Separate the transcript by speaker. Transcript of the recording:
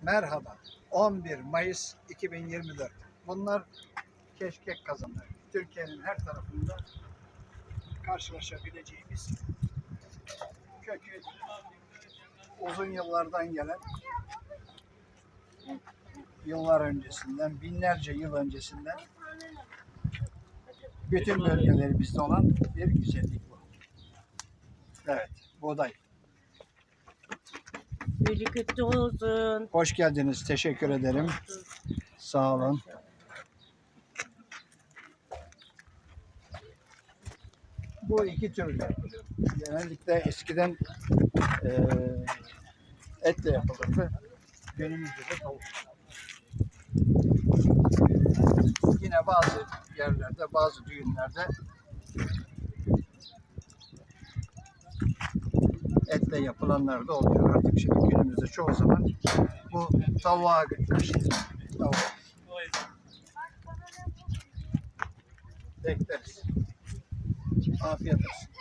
Speaker 1: Merhaba. 11 Mayıs 2024. Bunlar keşkek kazanları. Türkiye'nin her tarafında karşılaşabileceğimiz kökü uzun yıllardan gelen, yıllar öncesinden, binlerce yıl öncesinden bütün bölgelerimizde olan bir güzellik bu. Evet, buğday.
Speaker 2: Birlikte olsun.
Speaker 1: Hoş geldiniz. Teşekkür ederim. Sağ olun. Bu iki türlü yapılıyor. Genellikle eskiden etle yapılırdı. Günümüzde de tavuk. Yine bazı yerlerde, bazı düğünlerde etle yapılanlar da oluyor. Artık şimdi günümüzde çoğu zaman bu tavuğa kaçıyor. Tavuk. Bekleriz. Afiyet olsun.